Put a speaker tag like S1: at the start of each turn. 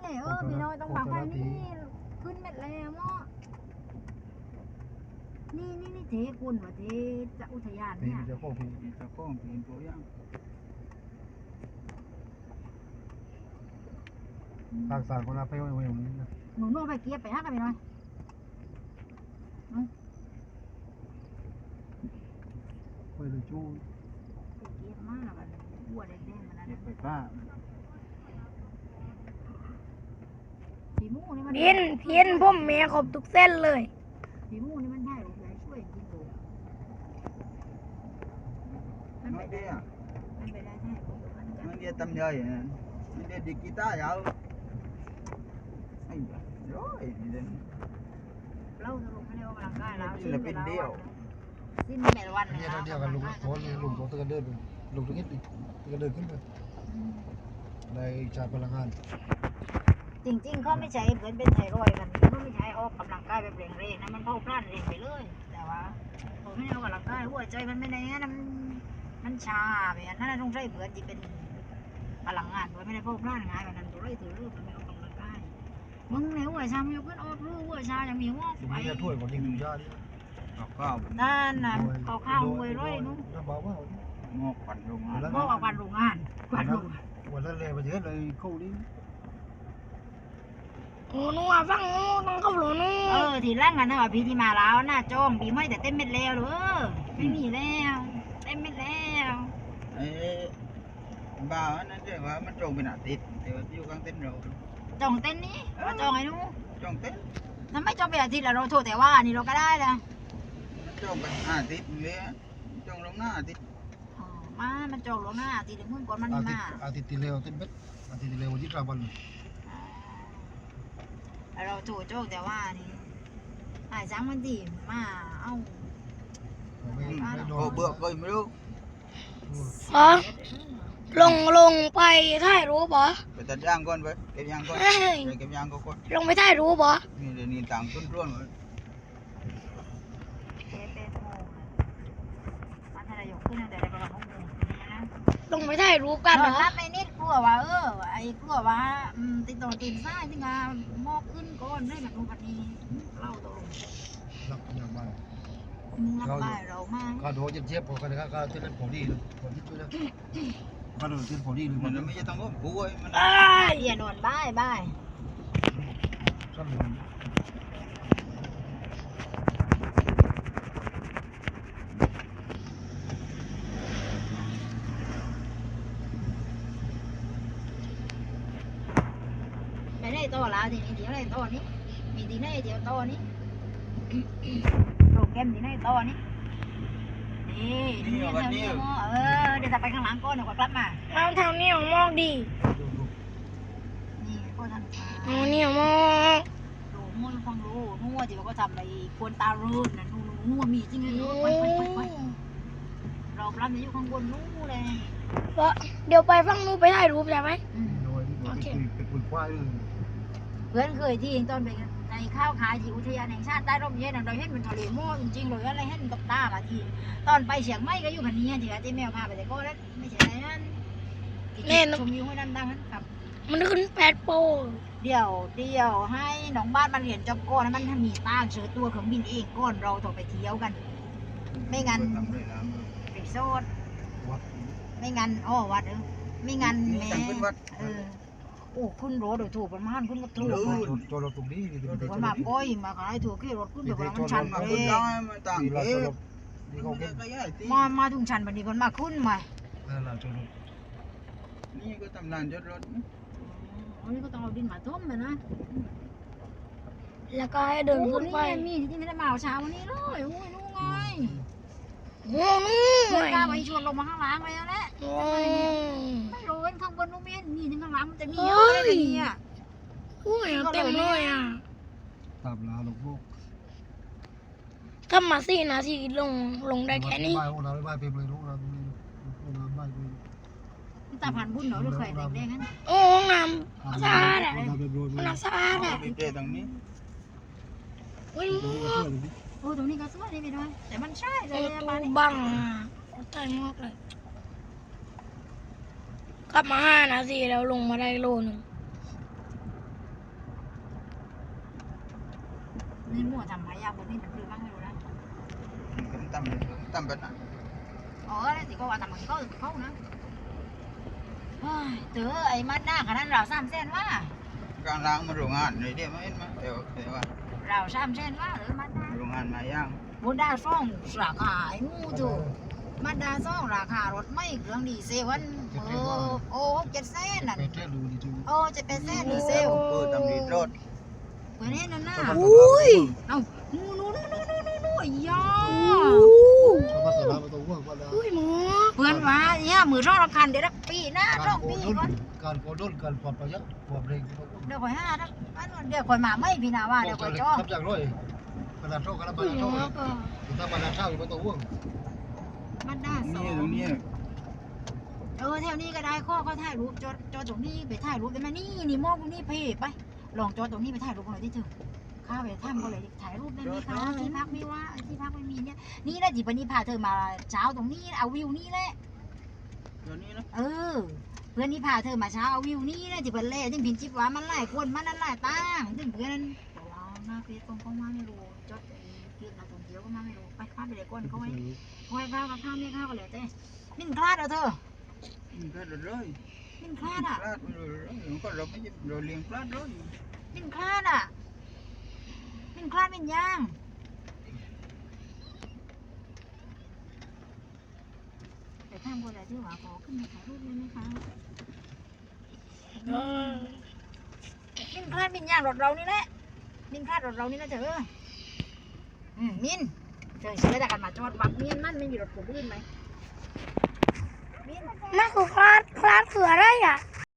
S1: เลยพี่น้อยต้องบังไฟนี่ขึ้นเม็ดแล้วเนาะนี่เทคุณว่าเทจะอุทยานเนี่ย
S2: จะโค้งผีตัวย่างทางสารคนละไปไว้ตรงนี้นะ
S1: หนูโน่ไปเกียบไปฮะกันพี่น้อย
S2: ไปเลยจู้
S1: ไปเกียบมากแบบบัวแดงๆมันนั่น
S2: ไปป้า
S1: ผีมูนี่มัน
S3: เพี้ยนผมแม่ขบทุกเส้นเลย
S1: ผีมูนี่มันได้หรือไงช่วยจริงดูมันไปได้ใช่ผม
S2: มันเดียตำย่อยมันเดียดิกีตาร์ยาวไอ้ร้อยนี่เด่น
S1: เราจะลงไม่ได้ออกกำลังกายแล้ว
S2: ศิลปินเดียว
S1: สิ้นแม่วัน
S2: เนี่ยเดียวกันลุงโค้ตะกันเดินลุงตะกี้ตะกันเดินขึ้นไปในชาพลังงาน
S1: จริงๆเขาไม่ใช้เหมือนเป็นไทรอยกันเขาไม่ใช้ออกกำลังกายแบบเร่งๆนะมันเผาพลันเร่งไปเลยแต่ว่าผมไม่เอากำลังกายหัวใจมันไม่ได้นะมันชาแบบนั้นต้องใช้เบื่อที่เป็นพลังงานโดยไม่ได้เผาพลันง่ายแบบนั้นตัวเลยถือรูปมันไม่ออกกำลังกายมึงในหัวชามีเพื่อนออกรูหัวชายังมีหัว
S2: ไอ้ถ้วยของยิงยาดิข้าว
S1: นั่นน่ะข้าวรวยร้อยนู้น
S2: งอกปั่นโรงงาน
S1: งอกปั่นโรงงาน
S2: วันนั้นเลยมาเยอะเลยเข้าดิ
S3: โอ้นัวฟังต้องเข้าหลนู
S1: ทีแรกกันนะว่าพี่ที่มาแล้วน่าจ้องพี่ไม่แต่เต้นเม็ดแล้วหรือไม่มีแล้วเต้นเม็ดแล้ว
S2: ไอ้บ้านั่นเรียกว่ามันจงเป็นอาทิตย์แต่ว่าอยู่กลางเต้นเรา
S1: จองเต้นนี้มาจองไอ้นู้
S2: จงเต้น
S1: นั่นไม่จองเป็นอาทิตย์แล้วเราโทษแต่ว่านี่เราก็ได้ละ
S2: มันจงเป็นอาทิตย์เลยจงลงหน้าอาทิตย์
S1: มันจองลงหน้าอาทิตย์เมื่อก่อนมันมา
S2: อาทิตย์ที่แล้วเต้นเบ็ดอาทิตย์ที่แล้ววันที่3 วัน
S1: เราโทษโจกแต่ว่านี่หาย3 วันดีมาเอ้า
S2: เบื่อก็ไม่รู้
S3: ลงไปถ่ายรูปบ่
S2: ไปตัดยางก่อนไปเก็บยางก่อนเก็บยางก่อน
S3: ลงไปถ่ายรูปบ่
S2: นี่เดี๋ยวนี้ต่างต้นร่วงเลย
S3: ลงไปถ่ายรูปกันเหรอ
S1: รับไปนิดกลัวว่าไอ้กลัวว่าติดต่อตื่นสายที่งานมอกขึ้นก่อนได้แบบนู้นแบบนี้เล่าตรง
S2: รับอย่างบ้าง
S1: รับบ่ายเรามาก
S2: ก็ดูเจ็บๆพอกันนะครับก็เต้นผอดีเลยผอดีช่วยนะก็ดูเต้นผอดีเลยมันไม่ใช่ต้องก็ป่วยมัน
S1: อย่านอนบ่ายไม่ได้โตแล้วทีนี้เดี๋ยวได้โตนี้มีทีไหนเดี๋ยวโตนี้โปรแกรมที่ไหนโตนี้นี่เดี๋ยวจะไปข้างหลังก่อนเดี๋ยวกลับมา
S3: เอาทางนี้ของมองดี
S1: นี่ก็ทำ
S3: เอาเนี่ยมอง
S1: ดูมั่วฟังรู้มั่วที่ว่าก็ทำอะไรควรตารุ่นนะนู่นมีจริงเลยไปเราปล้ำอยู่ข้างบนนู่นเลย
S3: เดี๋ยวไปฟังนู้นไปถ่ายรูปใช่ไหม
S2: โอเคเป็นคนควาย
S1: เพื่อนเคยที่ตอนไปในข้าวขายที่อุทยานแห่งชาติใต้ร่มเย็นเราเห็นมันทะเลหม้อจริงๆเลยอะไรเห็นกับตาบางทีตอนไปเชียงใหม่ก็อยู่พันนี้ที่ว่าที่แมวพาไปแต่ก็แล้วไม่ใช่อะไรนั่นชมวิวให้ดังนั้นครับ
S3: มันขึ้น8 โปร
S1: เดี๋ยวให้น้องบ้านมันเรียนจบก่อนมันมีตั้งเชื้อตัวเครื่องบินเองก่อนเราต้องไปเที่ยวกันไม่งั้นไปโซดไม่งั้นวัดไม่งั้นแม่โอ้ขึ้นรถโดยถูกประมาณขึ้นรถถูก
S2: ตัวรถตรงนี้
S1: มันมาก้อยมาขายถูกขี่รถขึ้นแบบว่ามันชันเลยมาถึงชันแบบนี้คนมาขึ้นมา
S2: นี่ก็ตำนานยศรถ
S1: นี่ก็ต้องเอาดินมาท่มเลยนะ
S3: แล้วก็ให้เดินขึ้นไป
S1: มีที่ไม่ได้มาเช้าวันนี้เลยโอ้ยนู่นไง
S3: นู่น
S1: กล้าไปชวนลงมาข้างล่างเลยแล้วแหละไม่รู้ข้างบนนู่นมีถึงข้างล่างมันจะมีเยอะเลยเนี่ย
S3: โอ้ยเต็มเลย
S2: ตามลาลูก
S3: ถ้ามา4 นาทีลงได้แค่นี้
S2: บ้านเต็มเลยลูกเราบ้าน
S1: ตาผ่านบุญเหรอหรือเคยแดงๆนั้น
S3: โอ้น้ำสะอาดน้ำสะอาด
S2: มีเจตรงนี้
S1: โอ้ตรงนี้ก็สวยดีไปด้วยแต่มันใช่เลย
S3: บ้านบังใช่มากเลยกลับมา5 นาทีแล้วลงมาได้โลนึง
S1: นี่มั่วทำหายาบนนี้มันคือบ้างไม่รู้นะ
S4: cũng tâm bên này
S1: อ๋อแล้วสิก็ว่าทำมันเขานะเจอไอ้มัดหน้าขนาดเรา3 เส้นว่า
S4: càng lang mà ruộng hàn này đi mà ít mà đều đều à
S1: เรา3 เส้นว่าหรือมัดหน้า
S4: ruộng hàn mà giang
S1: บนดาซ่องราคาไอ้มูจูมัดดาซ่องราคารถไม่เครื่องดีเซลวันโอ้6-7 เส้นน่ะ
S2: ไปแค่ดูดีดู
S1: โอ้จะเป็นเส้นดีเซล
S4: bơ tầm đi rốt
S1: เพื่อนนี่นั่นน่ะ
S3: อุ้ย
S1: เอ้านู่ยา
S2: เขามาสลาประตูว่าว่าแล้ว
S3: อุ้ยหมอ
S1: เพื่อนว่าเนี่ยมือร่องรำคันเดี๋ยวปีหน้าร่องปีก่อน
S2: การโกดนการปลอดประหยัดปลอดเร่งที่เขา
S1: เดี๋ยวคอยห้านะเดี๋ยวคอยมาไม่พี่นาว่าเดี๋ยวคอยจ้อง
S2: ทำจากร้อยขนาดโชคขนาดบา
S3: อุ้ย
S2: นา
S3: ห
S2: โช
S3: ม
S2: ค
S3: อก็
S2: ถ้าบานาเช่าอยู่ประตูว่าง
S1: มันด้าสอง
S4: đúng như
S1: แถวนี้ก็ได้ข้อก็ถ่ายรูปจอตรงนี้ไปถ่ายรูปได้ไหมนี่มองตรงนี้เพไปลองจอตรงนี้ไปถ่ายรูปหน่อยที่ถึงข้าไปถ้ำก็เลยถ่ายรูปได้ไหมคะที่พักไม่ว่าที่พักไม่มีเนี่ยนี่นะจีบันนี้พาเธอมาเช้าตรงนี้เอาวิวนี่แหละ
S4: rồi ní đó
S1: เออเพื่อนนี่พาเธอมาเช้าเอาวิวนี่นะจีบันเล่ถึงพินจิบว่ามันไล่คนมันนั่นไล่ตั้งถึงเพื่อนแต่ว่าหน้าเพจตรงมาไม่รู้จดเพียงนักท่องเที่ยวก็มาไม่รู้ไปข้าไปเลยก้นเขาไว้คอยข้าวกับข้าวไม่ข้าวก็เลยเต้มินคลาดเอาเธอ
S4: cái rồi rồi
S1: มินคลาดอ่ะ
S4: lát rồi không có rồi mới rồi liền lát rồi
S1: มินคลาดอ่ะมินคลาดมินย่างแต่ถ้าคนไหนที่ว่าขอขึ้นมาถ่ายรูปได้ไหมคะมินคลาดมินย่างรถเรานี่แหละมินคลาดรถเรานี่นะเธอมินเธอเชื่อแต่กันมาจอดวัดเมียนมันไม่มีรถผมลื่นไหมมิน
S3: มันคือคลาดคืออะไรอ่ะ
S1: ค